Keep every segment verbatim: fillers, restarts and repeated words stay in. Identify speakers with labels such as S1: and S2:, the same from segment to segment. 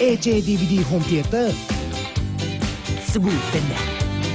S1: เอ เจ ดี วี ดี Home Theater สบู่เป็นแดด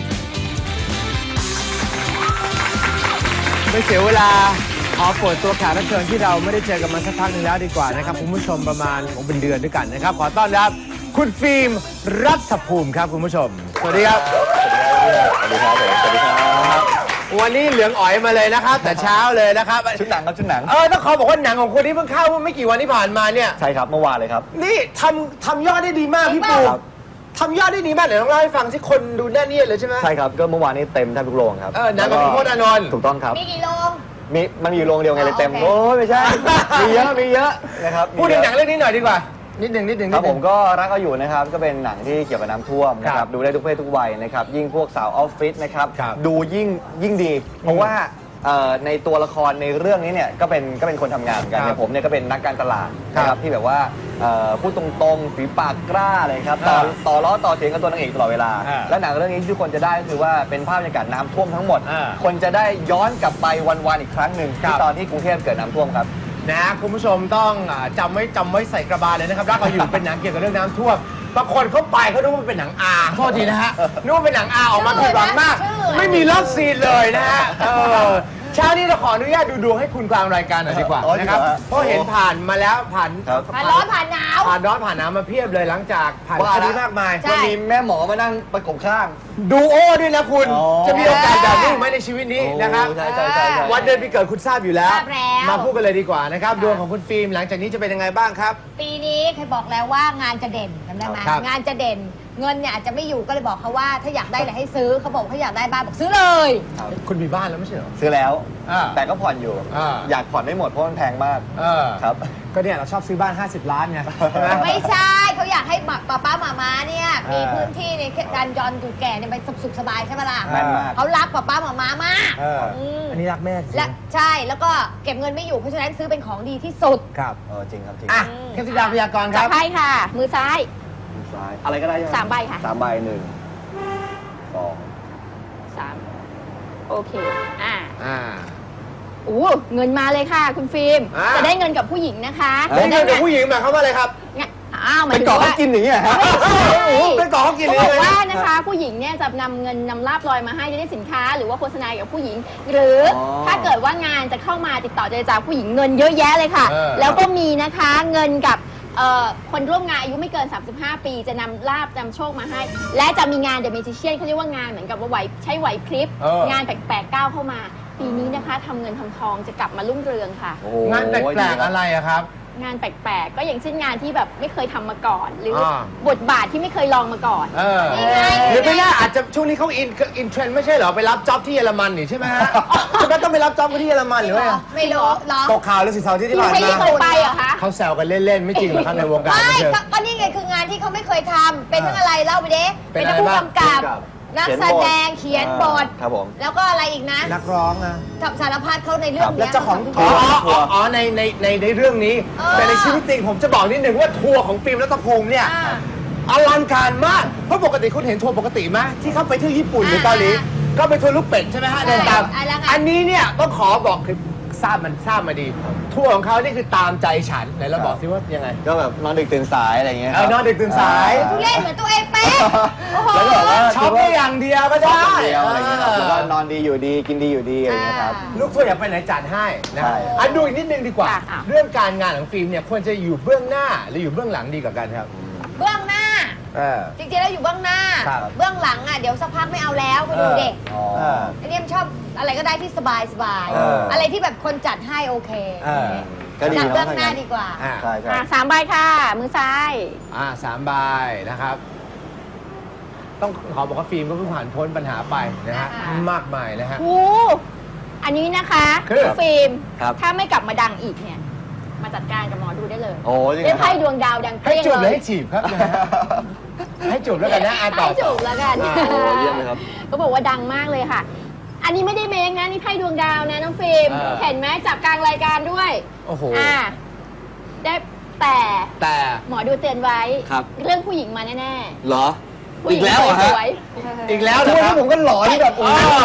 S2: ไม่เสียเวลาขอเปิดตัวแขกรับเชิญที่เราไม่ได้เจอกันมาสักพักหนึงแล้วดีกว่านะครับคุณผู้ชมประมาณผมเป็นเดือนด้วยกันนะครับขอต้อนรับคุณฟิล์มรัฐภูมิครับคุณผู้ชมสวัสดีครับสวัสดีครับสวัสดีครับวันนี้เหลืองอ๋อยมาเลยนะครับแต่เช้าเลยนะครับ
S3: ชุดหนังครับชุดหนัง
S2: เออต้องขอบอกว่าหนังของคนที่เพิ่งเข้าไม่กี่วันที่ผ่านมาเนี่ย
S3: ใช่ครับเมื่อวานเลยครับ
S2: นี่ทำทำยอดได้ดีมากพี่ปูทำยอดได้ดีมากเดี๋ยวต้องเล่าให้ฟังที่คนดูแน่นเนียดเลยใช่ไหม
S3: ใช่ครับก็เมื่อวานนี้เต็มแทบทุกโรงครับ
S2: เออหนังกับพี่พจน์อานนท์
S3: ถูกต้องครับ
S4: มีกี่โรง
S3: มีมันมีอยู่โรงเดียวไงเลยเต็มโอ้ยไม่ใช่มีเยอะมีเยอะนะครับ
S2: พูดถึงหนังเรื่องนี้หน่อยดีกว่านิดหนึ่งนิดหนึ่ง
S3: ครับผมก็รักเอาอยู่นะครับก็เป็นหนังที่เกี่ยวกับน้ำท่วมนะครับดูได้ทุกเพศทุกวัยนะครับยิ่งพวกสาวออฟฟิศนะครับดูยิ่งยิ่งดีเพราะว่าในตัวละครในเรื่องนี้เนี่ยก็เป็นก็เป็นคนทำงานเหมือนกันเนี่ยผมเนี่ยก็เป็นนักการตลาดนะครับที่แบบว่าพูดตรงๆฝีปากกล้าเลยครับต่อต่อล้อต่อเถียงกับตัวนางเอกตลอดเวลาและหนังเรื่องนี้ทุกคนจะได้คือว่าเป็นภาพบรรยากาศน้ำท่วมทั้งหมดคนจะได้ย้อนกลับไปวันๆอีกครั้งหนึ่งที่ตอนที่กรุงเทพเกิดน้ำท่วมครับ
S2: นะคุณผู้ชมต้องจำไว้จำไว้ใส่กระบาลเลยนะครับรักเอาอยู่เป็นหนังเกี่ยวกับเรื่องน้ำท่วมบางคนเข้าไปเขาดูว่าเป็นหนังอาโทษทีนะฮะนึกว่าเป็นหนังอาออกมาผิดหวังมากไม่มีเลิฟซีนเลยนะฮะเช้านี้เราขออนุญาตดูดวงให้คุณกลางรายการหน่อยดีกว่านะครับเพราะเห็นผ่านมาแล้วผ่าน
S4: ผ่านร้อนผ่านหนาว
S2: ผ่านร้อนผ่านหนาวมาเพียบเลยหลังจากผ่านคดีมากมาย
S3: มันมีแม่หมอมานั่งประกบข้าง
S2: ดูโอ้ด้วยนะคุณจะมีโอกาสแบบนี้ไหมในชีวิตนี้นะครับวันเดือนปีเกิดคุณทราบอยู่แล้วมาพูดกันเลยดีกว่านะครับดวงของคุณฟิล์มหลังจากนี้จะเป็นยังไงบ้างครับ
S4: ปีนี้เคยบอกแล้วว่างานจะเด่นจำได้ไหมงานจะเด่นเงินเนี่ยอาจจะไม่อยู่ก็เลยบอกเขาว่าถ้าอยากได้อะไรให้ซื้อเขาบอกเขาอยากได้บ้านบอกซื้อเลย
S2: คุณมีบ้านแล้วไม่ใช่เหรอ
S3: ซื้อแล้วแต่ก็ผ่อนอยู่อยากผ่อนไม่หมดเพราะมันแพงมากครับ
S2: ก็เนี่ยเราชอบซื้อบ้านห้าสิบล้านไง
S4: ไม่ใช่เขาอยากให้ป้าป้าหม่าม้าเนี่ยมีพื้นที่ในการยอนดูแก่เนี่ยไปสุขสบายใช่ไหมล่ะเขารักป้าป้าหม่าม้ามาก
S2: อันนี้รักแม่
S4: และใช่แล้วก็เก็บเงินไม่อยู่เพราะฉะนั้นซื้อเป็นของดีที่สุด
S2: ครับ
S3: เออจริงครับจริง
S2: อ่ะเทพธิดาพยากรณ์ครับ
S4: ใช่ค่ะมือซ้าย
S3: ซ้ายอะไรก็ได้
S4: สามใบค่ะ
S3: สามใบหนึ่งสอง
S4: สามโอเคอ่า
S2: อ่า
S4: โอ้เงินมาเลยค่ะคุณฟิล์มจะได้เงินกับผู้หญิงนะคะ
S2: ได้เงินกับผู้หญิงหมายความว่าอะไรครับ
S4: อ้าว
S3: เป็นก่อเขากินอย่างเงี้ยฮะ
S2: เป็นก่อเขากินเลย
S4: บอกว่านะคะผู้หญิงเนี่ยจะนำเงินนำลาบลอยมาให้จะได้สินค้าหรือว่าโฆษณากับผู้หญิงหรือถ้าเกิดว่างานจะเข้ามาติดต่อเจรจาผู้หญิงเงินเยอะแยะเลยค่ะแล้วก็มีนะคะเงินกับคนร่วมงานอายุไม่เกินสามสิบห้าปีจะนำลาบนำโชคมาให้และจะมีงานเดอะเมจิเชียนเขาเรียกว่างานเหมือนกับว่าไหวใช้ไหวพริบงานแปลกๆก้าวเข้ามาปีนี้นะคะทำเงินทำทองจะกลับมารุ่งเรืองค่ะ
S2: งานแปลกๆอะไรอะครับ
S4: งานแปลกๆก็อย่างเช่นงานที่แบบไม่เคยทำมาก่อนหรือบทบาทที่ไม่เคยลองมาก่อน
S2: หรือไม่น่าอาจจะช่วงนี้เขาอินอินเทรนด์ไม่ใช่เหรอไปรับจ็อบที่เยอรมันนี่ใช่ไหมฮะจะไม่ต้องไปรับจ็อบที่เยอรมันหรือไง
S4: ไม่รู้
S2: ตกข่าวแล้วสิเสาร์ที่ผ่านมา
S4: เคยไปเหรอคะ
S2: เขาแซวกันเล่นๆไม่จริงหรอครับในวงการ
S4: ไม่ก็นี่ไงคืองานที่เขาไม่เคยทำเป็นทั้งอะไรเล่าไปเด้เป็นผู้กำกับนักแสดงเขียนบท
S3: ครับผม
S4: แล้วก็อะไรอีกนะ
S2: นักร้องนะ
S4: สารพัดเขาในเรื่องนี้
S2: แล้วเจ้าของทัวร์อ๋อในในในในเรื่องนี้แต่ในชีวิตจริงผมจะบอกนิดหนึ่งว่าทัวร์ของฟิล์มรัตภูมิเนี่ยอลังการมากเพราะปกติคุณเห็นทัวร์ปกติไหมที่เขาไปที่ญี่ปุ่นหรือเกาหลีก็ไปทัวร์ลูกเป็ดใช่ไหมฮะเดินตามอันนี้เนี่ยต้องขอบอกคือทราบมันทราบมาดีทัวร์ของเขานี่คือตามใจฉันไหนเราบอกซิว่ายังไง
S3: ก็แบบนอนดึกตื่นสายอะไรเงี้ย
S2: นอนดึกตื่นสาย
S4: ทุเล่นเหมือนตัวเองเป๊ะ
S3: แล้วก็แบบว่า
S2: ชอบแค่อย่างเดียวก็ได้
S3: อะไรเงี้ยแล้วก็นอนดีอยู่ดีกินดีอยู่ดีอะไรเงี้ยครับ
S2: ลูกทัวร์อยากไปไหนจัดให้นะอันดูอีกนิดนึงดีกว่าเรื่องการงานของฟิล์มเนี่ยควรจะอยู่เบื้องหน้าหรืออยู่เบื้องหลังดีกว่ากันครับ
S4: เบื้องหน้าจริงๆแล้วอยู่เบื้องหน้าเบื้องหลังอ่ะเดี๋ยวสักพักไม่เอาแล้วคุณดูเด็กอันนี้มันชอบอะไรก็ได้ที่สบายสบายอะไรที่แบบคนจัดให้โอเคจัดเบื้องหน้าดีกว่า
S3: ใช่ใช่
S4: สามใบค่ะมือซ้าย
S2: อ่าสามใบนะครับต้องขอบอกว่าฟิล์มก็เพิ่งผ่านพ้นปัญหาไปนะฮะมากมายนะฮะ
S4: โอ้อันนี้นะคะฟิล์มถ้าไม่กลับมาดังอีกเนี่ยมาจัดการกับหมอดูได้เลย
S3: โอ้ย
S4: ได้ไพ่ดวงดาวดังเปรี้ยงเลย
S2: ให้จูบหรือให้จีบครับให้จูบแล้วกันนะ
S4: ให้จูบแล้วกัน
S3: โอ้เยี่ยมเลยครับ
S4: ก็บอกว่าดังมากเลยค่ะอันนี้ไม่ได้เมคนะนี่ไพ่ดวงดาวนะน้องฟิล์มเห็นไหมจับกลางรายการด้วย
S2: โอ้โห
S4: อ่าได้แต่
S2: แต่
S4: หมอดูเตือนไว้เรื่องผู้หญิงมาแน่
S3: ๆเหรออีกแล้วเหรอฮะ
S2: อีกแล้วเหรอ
S3: ผมก็หลอนแบบ
S2: จ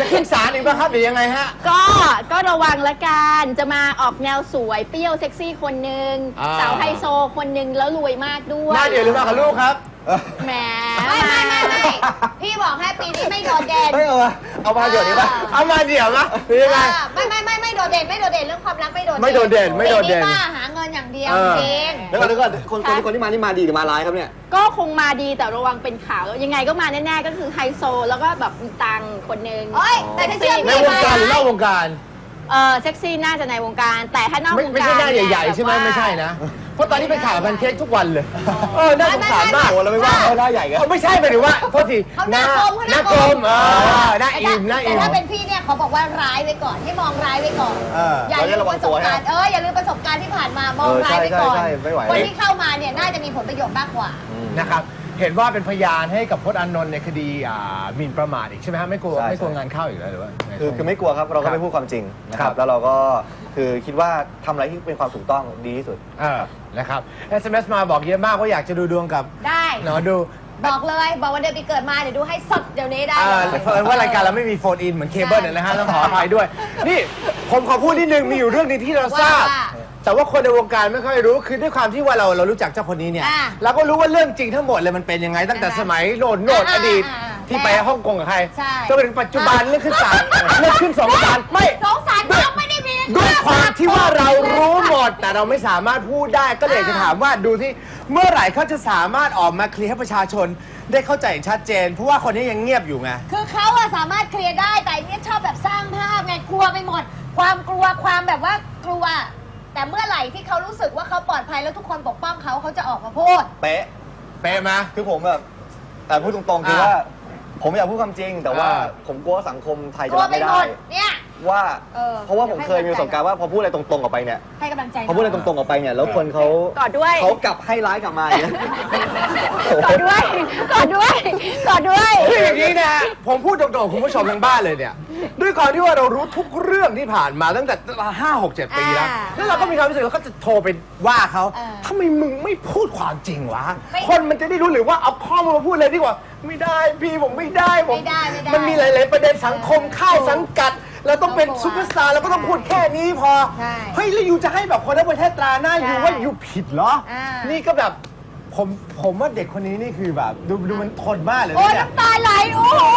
S2: จะขึ้นศาลอีกป่ะครับหรือยังไงฮะ
S4: ก็ก็ระวังละกันจะมาออกแนวสวยเปรี้ยวเซ็กซี่คนหนึ่ง
S2: อ่า
S4: สาวไฮโซคนหนึ่งแล้วรวยมากด้วย
S2: หน้าเดียวหรือมากับลูกครับ
S4: แหม
S5: ไม่ไม่ไม่ไม่พี่บอกให้ปีนี้ไม่โดดเด่น
S3: เฮ้ยเอามาเอามาเดี๋ยวนี้ป่ะ
S2: เอามาเดี๋ยวนะหรือยังไง
S5: อ่าไม่ไม่ไม่ไม่โดดเด่นไม่โดดเด่นเรื่องความรักไม่โดดเด่น
S2: ไม่โดดเด่นไม่โดดเด่น
S5: ปีนี้ว่าหาเงินอย่างเดียว
S2: เออ
S5: จริง
S3: แล้วก่อนแล้วก่อนคนคนที่คนที่มานี่มาดีหรือมาร้ายครับเนี่ย
S4: ก็คงมาดีแต่ระวังเป็นข่าวแล้วยังไงก็มาแน่ๆก็คือไฮโซแล้วก็แบบมีตังค์คนหนึ่ง
S5: เอ้ยแต่ถ้าเชื่อ
S2: ใน
S5: พี่
S2: วงการหรือนอกวงการ
S4: เออเซ็กซี่น่าจะในวงการ แต่ถ้านอก
S2: ไม่
S4: วง
S2: ไม่
S4: การ
S2: ใช่หน้า
S4: เนี่ย
S2: ใหญ่ๆใช่ไหม
S4: แบบว่า
S2: ไม่ใช่นะ เพราะตอนนี้เป็นข่าวแพนเค้กทุกวันเลย เออน่าสงสารมาก
S3: โอ้เราไม่ว่าเขาหน้าใหญ่กัน
S2: เขาไม่ใช่หมายถึงว่าโทษที
S5: เขาหน้ากลมเขา
S2: ห
S5: ห
S2: น้า
S5: น้าก ก
S2: ล
S5: ล
S2: ม
S5: ม
S2: เออหน้าอิ่มหน้า
S5: แต่
S2: อิ่ม
S5: ถ้าเป็นพี่เนี่ยเขาบอกว่าร้ายไว้ก่อนให้มองร้ายไว้ก่อน
S3: เออ
S5: อย่า
S3: เรา
S5: ลื
S3: จะ
S5: ม
S3: ระวั
S5: ป
S3: ง
S5: ระส
S3: ตั
S5: บ
S3: ว
S5: การ
S3: ฮะ
S5: ณ์เอออย่าลืมประสบการณ์ที่ผ่านมามองร้ายไว้ก่อน
S3: ใช่ใช่ใช่ไม่ไหว
S5: คนที่เข้ามาเนี่ยน่าจะมีผลประโยชน์มากกว่า
S2: นะครับเห็นว่าเป็นพยานให้กับพจน์อานนท์ในคดีอ่าหมิ่นประมาทอีกใช่ไหมฮะไม่กลัว
S3: ใช่
S2: ไม่กลัว
S3: ใช่
S2: งานเข้าอีกแล้วหรือว่าไง
S3: คือคือไม่กลัวครับเรา
S2: ครั
S3: ก็
S2: บ
S3: ไม่พูดความจริงนะค
S2: ครั
S3: รับ บแล้วเราก็คือคิดว่าทำอะไรที่เป็นความถูกต้องดีที่สุด
S2: เออนะครับ เอส เอ็ม เอส มาบอกเยอะมากว่าอยากจะดูดวงกับ
S5: ได้
S2: หนอดู
S5: บอกเลยบอกวันเดือนปีเกิดมาเดี๋ยวดูให้สดเดี๋ยวนี้ได้
S2: อ่า
S5: เลย
S2: เผอิญว่ารายการเราไม่มีโฟนอินเหมือนเคเบิลนะฮะต้องขออภัยด้วย นี่ผมขอพูดนิดนึงมีอยู่เรื่องหนึงที่เราทราบ
S5: ว่า
S2: แต่ว่าคนในวงการไม่ค่อยรู้คือด้วยความที่ว่าเราเรารู้จักเจ้าคนนี้เนี่ย
S5: อ่า
S2: เราก็รู้ว่าเรื่องจริงทั้งหมดเลยมันเป็นยังไงตั้งแต่
S5: อ่า
S2: สมัยโน่นโน่น
S5: อ่า
S2: อดีต
S5: อ่าอ่า
S2: ที่ไปฮ่องกงกับใคร
S5: ใช่
S2: จนถึงปัจจุบันเรื่องขึ้นศาลเรื่องขึ้นสองศาลไม่
S5: สงสารเขาไม่ได้มี
S2: ด้วยความที่ว่าเรารู้หมด แต่เราไม่สามารถพูดได้ก็เลยอยากจะถามว่าดูที่เมื่อไหร่เขาจะสามารถออกมาเคลียร์ให้ประชาชนได้เข้าใจอย่างชัดเจน เพราะว่าคนนี้ยังเงียบอยู่ไง
S5: คือเขาอะสามารถเคลียร์ได้แต่อันเนี่ยชอบแบบสร้างภาพไงกลัวไปหมด ความกลัวความแบบว่ากลัว แต่เมื่อไหร่ที่เขารู้สึกว่าเขาปลอดภัยแล้วทุกคนปกป้องเขาเขาจะออกมาพูด
S3: เป๊ะ
S2: เป๊ะไหม
S3: คือผมแบบแต่พูดตรงๆคือ
S2: อ่า
S3: ว่า ผมอยากพูดความจริง แต่ว่า
S2: อ่า
S3: ผมกลัวว่าสังคมไทย
S5: ก
S3: จะ
S5: ลัว
S3: รับ
S5: ไป
S3: ไม่
S5: หม
S3: ได้
S5: ดเนี่ย
S3: ว่า
S5: เออ
S3: เพราะว่าผมเคยมีประสบการณ์ว่าพอพูดอะไรตรงๆออกไปเนี่ย
S5: ให้กำลังใจ
S3: พอพูดอะไรตรงๆออกไปเนี่ยแล้วคนเขา
S4: กอดด้วย
S3: เขากลับให้ร้ายกลับมาอย่างเงี้ย
S4: กอดด้วยกอดด้วยกอดด้วย
S2: คืออย่างนี้นะ ผมพูดตรงๆคุณผู้ชมทางบ้านเลยเนี่ย ด้วยความที่ว่าเรารู้ทุกเรื่องที่ผ่านมาตั้งแต่ห้าหกเจ็ดปีแล้ว
S5: อ่า
S2: แล้วเราก็มีความรู้สึกเราก็จะโทรไปว่าเขา
S5: เออ
S2: ทำไมมึงไม่พูดความจริงวะ
S5: ไม่
S2: คนมันจะได้รู้หรือว่าเอาข้อมูลมาพูดเลยดีกว่า ไม่ได้พี่ผมไม่ได้ผม
S5: ไม่ได้ไม่ได้
S2: มันมีหลาย ๆ ประเด็นสังคมเข้าสังกัด เราต้องเป็น
S5: ครอบครัว
S2: ซูเปอร์สตาร์เราก็ต้องพูดแค่นี้พอ
S5: ใช่
S2: เฮ้ยแล้วอยู่จะให้แบบคนทั้งประเทศตราหน้าอยู่
S5: ใช่
S2: ว่าอยู่ผิดเหรอ
S5: อ่านี่
S2: นี่ก็แบบผมผมว่าเด็กคนนี้นี่คือแบบดูดูมันทนมากเลย
S5: โอ้
S2: นะเนี่ย
S5: น้ำตาไหลโอ้โห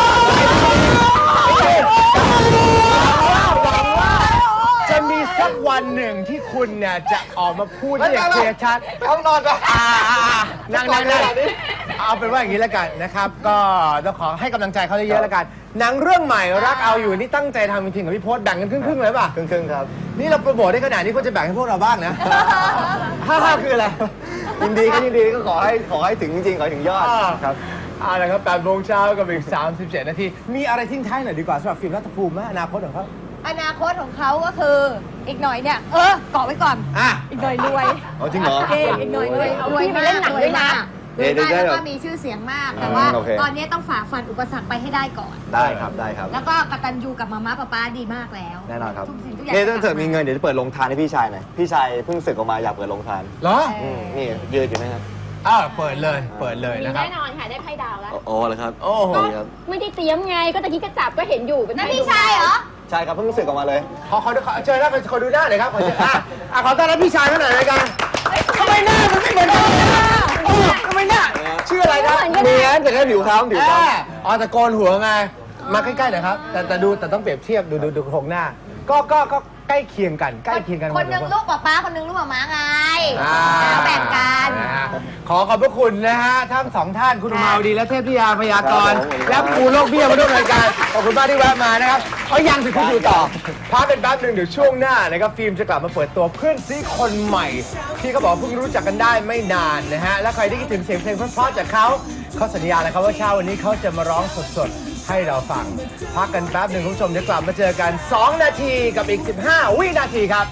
S2: หวังว่าจะมีสักวันหนึ่งที่คุณเนี่ยจะออกมาพูดได้อย่างเคลียร์ชัด
S3: ห้องนอนปะ
S2: อ่าๆๆนั่งนั่งนั่งเอาเป็นว่าอย่างนี้แล้วกันนะครับ ก็ต้องขอให้กำลังใจเขาเยอะๆแล้วกัน หนังเรื่องใหม่รักเอาอยู่นี่ตั้งใจทำจริงๆกับพี่พศแบ่งกันครึ่งๆเลยป่ะ
S3: ครึ่งๆครับ
S2: นี่เราโปรโมทได้ขนาดนี้ก็จะแบ่งให้พวกเราบ้างนะห้าห้าคืออะไร
S3: ยินดีก็ยินดีก็ขอให้ขอให้ถึงจริงๆขอให้ถึงยอด
S2: อ่า
S3: ครับ
S2: เอาละครับแปดโมงเช้ากับอีกสามสิบเจ็ดนาทีมีอะไรทิ้งท้ายหน่อยดีกว่าสำหรับฟิล์มรัฐภูมิไหมอนาคตของเขา
S5: อนาคตของเขาก็คืออีกหน่อยเนี่ย เออเกาะไว้ก่อน
S2: อ่ะ
S5: อีกหน่อยรวย
S3: เอาจริงเหรอ
S5: เก่งอีกหน่อยรวยรวย
S4: พี่ไป
S5: มา
S4: เล่
S5: ก
S4: นหนัง
S5: รวย
S4: ด้วยนะ
S5: มาก
S3: เดี๋ยว
S5: รวยมาก
S3: เดี๋ยว
S5: แล้วก็มีชื่อเสียงมาก แต่ว่า
S3: โอเค
S5: ตอนนี้ต้องฝ่าฟันอุปสรรคไปให้ได้ก่อน
S3: ได้ครับได้ครับ
S5: แล้วก็กตัญญูกับมาม่าป๊าป๊าดีมากแล้ว
S3: แน่นอนครับ
S5: ทุกสิ่งทุกอย่าง
S3: นี่ถ้าเกิดมีเงินเดี๋ยวจะเปิดโรงทานให้พี่ชายหน่อยพี่ชายเพิ่งศึกออกมาอยากเปิดโรงทาน
S2: เหรอ
S3: อืมนี่ยืดอยู่นะครับ
S2: อ้าวเปิดเลยเปิดเลย
S4: มี
S2: นะครับ
S4: แน่นอนค่ะได้ไพ่ดาวแล้ว
S3: โอ้เลยครับ
S2: โอ้โห
S3: ครับ
S4: ไม่ได้เตรียมไงก็ตะกี้กระจับก็เห็นอยู่เป็น
S5: นั่น
S4: ไพ่
S5: พี่ชายเหรอ
S3: ใช่ครับเพิ่งศึกออกมาเลย
S2: ขอขอขอเชิญนะขอดูหน้าหน่อยครับขอเชิญอ่ะอ่ะขอต้อนรับพี่ชายเขาหน่อยรายการทำไมหน้ามันไม่เหมือนกันเออทำไมหน้าชื่ออะไรครับ
S3: เมียนแต่แค่ผิวค้ำผิว
S2: อ่า
S3: ค้
S2: อ๋อแต่โกนหัวไงมาใกล้ๆหน่อยครับแต่แต่ดูแต่ต้องเปรียบเทียบดูดูดูโครงหน้า ก็ก็ก็ใกล้เคียงกันใกล้เคียงกัน
S5: คนหนึ่งลูกป๊าป๊าคนหนึ่งลูกหมาม้าไง
S2: อ่า
S5: แบ่งกัน
S2: นะฮะขอขอบพระคุณนะฮะทั้งสองท่านคุณอุมาวดีและเทพธิยาพยากรณ์และปูโลกเบี้ยมาร่วมรายการขอบคุณมากที่แวะมานะครับเอายังสิคุณอยู่ต่อพักเป็นแป๊บหนึ่งเดี๋ยวช่วงหน้านะครับฟิล์มจะกลับมาเปิดตัวเพื่อนซีคนใหม่ ที่เขาบอกเพิ่งรู้จักกันได้ไม่นานนะฮะและใครที่คิดถึงเสียงเพลงเพราะๆจากเขาเขาสัญญาเลยครับว่าเช้าวันนี้เขาจะมาร้องสดๆให้เราฟังพักกันแป๊บหนึ่งคุณผู้ชมเดี๋ยวกลับมาเจอกันสองนาทีกับอีกสิบห้าวินาทีครับ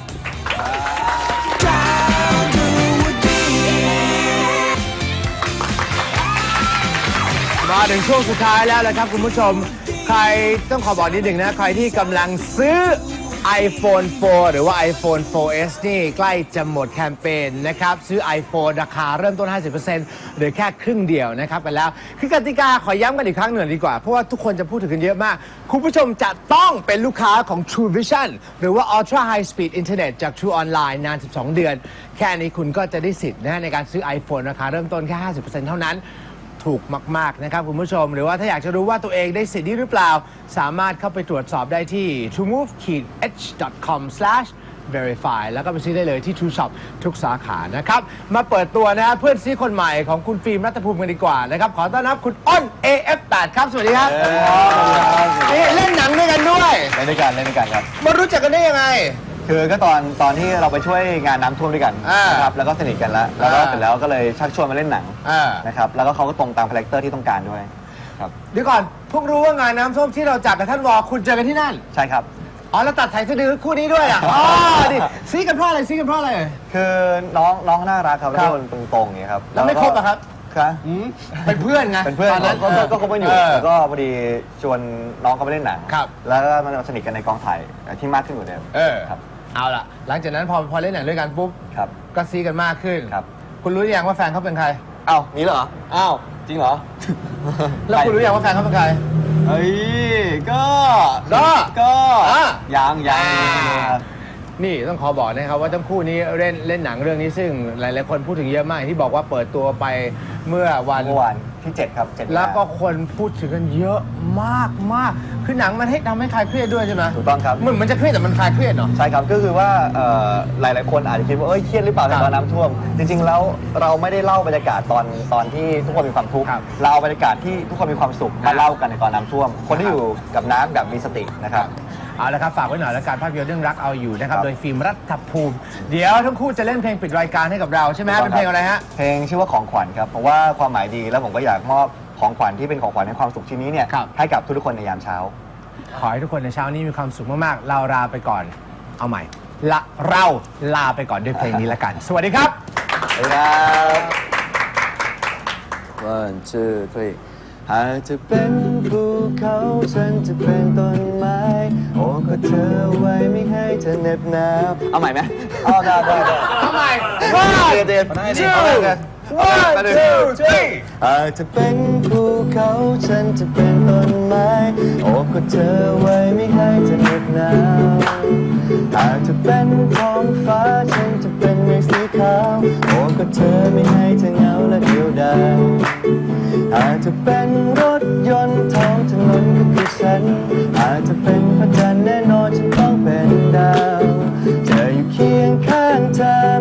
S2: มาถึงช่วงสุดท้ายแล้วนะครับคุณผู้ชมใครต้องขอบอกนิดหนึ่งนะใครที่กำลังซื้อ iPhone โฟร์ หรือว่า iPhone โฟร์ เอส นี่ใกล้จะหมดแคมเปญนะครับซื้อ iPhone ราคาเริ่มต้น ห้าสิบเปอร์เซ็นต์ หรือแค่ครึ่งเดียวนะครับไปแล้วคือกติกาขอย้ำกันอีกครั้งหนึ่งดีกว่าเพราะว่าทุกคนจะพูดถึงกันเยอะมากคุณผู้ชมจะต้องเป็นลูกค้าของ True Vision หรือว่า Ultra High Speed Internet จาก True Online นานสิบสองเดือนแค่นี้คุณก็จะได้สิทธิ์นะในการซื้อ iPhone ราคาเริ่มต้นแค่ ห้าสิบเปอร์เซ็นต์ เท่านั้นถูกมากๆนะครับคุณผู้ชมหรือว่าถ้าอยากจะรู้ว่าตัวเองได้สิทธิ์นี้หรือเปล่าสามารถเข้าไปตรวจสอบได้ที่ ทรูมูฟ เอช ดอท คอม สแลช เวริฟาย แล้วก็ไปซื้อได้เลยที่ True Shop ทุกสาขานะครับมาเปิดตัวนะฮะเพื่อนซีคนใหม่ของคุณฟิล์มรัตภูมิกันดีกว่านะครับขอต้อนรับคุณอ้น เอ เอฟ แปด ครับสวัสดีครับนี่เล่นหนังด้วยกันด้วย
S3: เล่นด้วยกันเล่นด้วยกันครับ
S2: มารู้จักกันได้ยังไง
S3: คือก็ตอนตอนที่เราไปช่วยงานน้ำท่วมด้วยกัน
S2: อ่าน
S3: นะครับแล้วก็สนิทกันแล้วแล้วก็
S2: อ่า
S3: เสร็จแล้วก็เลยชักชวนมาเล่นหนัง
S2: อ่า
S3: นะครับแล้วก็เขาก็ตรงตามคาแรคเตอร์ที่ต้องการด้วยครับ
S2: เดี๋ยวก่อนเพิ่งรู้ว่างานน้ำท่วมที่เราจัดกับท่านวอคุณเจอกันที่นั่น
S3: ใช่ครับ
S2: อ๋อแล้วตัดสายสะดือคู่นี้ด้วยอ่ะ อ๋อดิซีกันเพราะอะไรซีกันเพราะอะไร
S3: คือน้องน้องน่ารักครับ
S2: ครั
S3: แล้
S2: บ
S3: วคนตรงๆอย่างเงี้ยครับ
S2: แล้วไม่คบอะครับ
S3: ครับ
S2: อืมเป็นเพื่อนไง
S3: เป็นเพื่อน
S2: ตอนนั้น
S3: ก็ก็ก็คบกันอยู่
S2: เ
S3: แล้วก็พอดีชวนน้องเขาไปเล่นหนัง
S2: ครับ
S3: แล้วก็มันสนิทกันในกองถ่ายที่มากขึ้นกว่าเดิม
S2: เออ
S3: ครับ
S2: เอาล่ะ หลังจากนั้นพอพอเล่นหนังด้วยกันปุ๊บ
S3: ครับ
S2: ก็ซีกันมากขึ้น
S3: ครับ
S2: คุณรู้หรือยังว่าแฟนเขาเป็นใคร
S3: เอ้านี่เหรออ้าวจริงเหรอ
S2: แล้วคุณรู้ยังว่าแฟนเขาเป็นใคร
S3: เฮ้ยก็
S2: ก็
S3: ก็
S2: อ่ะ
S3: ยังยัง
S2: นี่ต้องขอบอกนะครับว่าทั้งคู่นี้เล่นเล่นหนังเรื่องนี้ซึ่งหลายๆคนพูดถึงเยอะมากอย่างที่บอกว่าเปิดตัวไปเมื่อวัน
S3: เมื่อวานที่เจ็ดครับเจ็ด
S2: แล้วก็คนพูดถึงกันเยอะมากมากคือหนังมันให้ทำให้คลายเครียดด้วยใช่ไหม
S3: ถูกต้องครับ
S2: มันมันจะเครียดแต่มันคลายเครียดเนาะ
S3: ใช่ครับก็คือว่าเอ่อหลาย ๆ คนอาจจะคิดว่าเอ้ยเครียดหรือเปล่าใน
S2: ครับ
S3: ตอนน้ำท่วม จริง ๆ แล้วเราไม่ได้เล่าบรรยากาศตอนตอนที่ทุกคนมีความทุกข์
S2: ครับ
S3: เราเอาบรรยากาศที่ทุกคนมีความสุข
S2: ครั
S3: มา
S2: บ
S3: เล่ากันในตอนน้ำท่วม คนที่อยู่กับน้ำแบบมีสตินะครับ
S2: เอาละครับฝากไว้หน่อยแล้วการภาพยนตร์เรื่องรักเอาอยู่นะครับ
S3: ครับ
S2: โดยฟิล์มรัฐภูมิ เดี๋ยวทั้งคู่จะเล่นเพลงปิดรายการให้กับเราใช่ไหมฮะเป็นเพลงอะไรฮะ
S3: เพลงชื่อว่าของขวัญครับเพราะว่าความหมายดีแล้วผมก็อยากมอบของขวัญที่เป็นของขวัญในความสุขชิ้นนี้เนี่ย
S2: ครับ
S3: ให้กับทุกๆคนในยามเช้า
S2: ขอให้ทุกคนในเช้านี้มีความสุขมากๆเราลาไปก่อนเอาใหม่ละเราลาไปก่อนด้วยเพลงนี้ละกัน สวัสดีครับ
S3: สวัสดีครับ one two three หากจะเป็นภูเขาฉันจะเป็นต้นไม้โอ้ก็เธอไว้ไม่ให้เธอเหน็บหนาวเอาใหม่ไหมเอาได้ได้ได้
S2: เอาใหม่
S3: one two
S2: one two three
S3: หากจะเป็นภูเขาฉันจะเป็นต้นไม้โอ้ก็เธอไว้ไม่ให้เธอเหน็บหนาวหากจะเป็นท้องฟ้าฉันจะเป็นเมฆสีขาวโอ้ก็เธอไม่ให้เธอเหงาและเดียวดายอาจจะเป็นรถยนต์ท้องถนนก็คือฉันอาจจะเป็นพระจันทร์แน่นอนฉันต้องเป็นดาวจะอยู่เคียงข้างเธอ